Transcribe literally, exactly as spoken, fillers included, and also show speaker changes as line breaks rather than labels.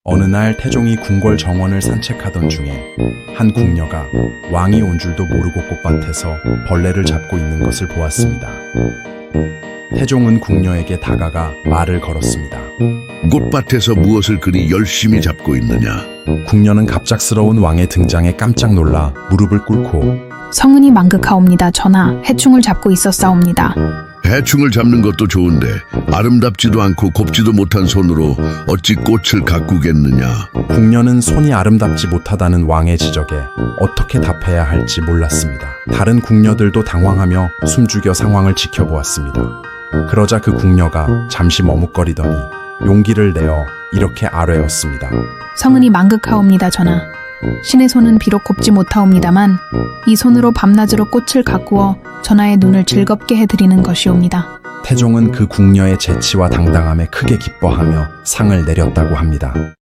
어느 날 태종이 궁궐 정원을 산책하던 중에 한 궁녀가 왕이 온 줄도 모르고 꽃밭에서 벌레를 잡고 있는 것을 보았습니다. 태종은 궁녀에게 다가가 말을 걸었습니다.
꽃밭에서 무엇을 그리 열심히 잡고 있느냐?
궁녀는 갑작스러운 왕의 등장에 깜짝 놀라 무릎을 꿇고
성은이 망극하옵니다. 전하, 해충을 잡고 있었사옵니다.
해충을 잡는 것도 좋은데 아름답지도 않고 곱지도 못한 손으로 어찌 꽃을 가꾸겠느냐?
궁녀는 손이 아름답지 못하다는 왕의 지적에 어떻게 답해야 할지 몰랐습니다. 다른 궁녀들도 당황하며 숨죽여 상황을 지켜보았습니다. 그러자 그 궁녀가 잠시 머뭇거리더니 용기를 내어 이렇게 아뢰었습니다.
성은이 망극하옵니다. 전하, 신의 손은 비록 곱지 못하옵니다만 이 손으로 밤낮으로 꽃을 가꾸어 전하의 눈을 즐겁게 해드리는 것이옵니다.
태종은 그 궁녀의 재치와 당당함에 크게 기뻐하며 상을 내렸다고 합니다.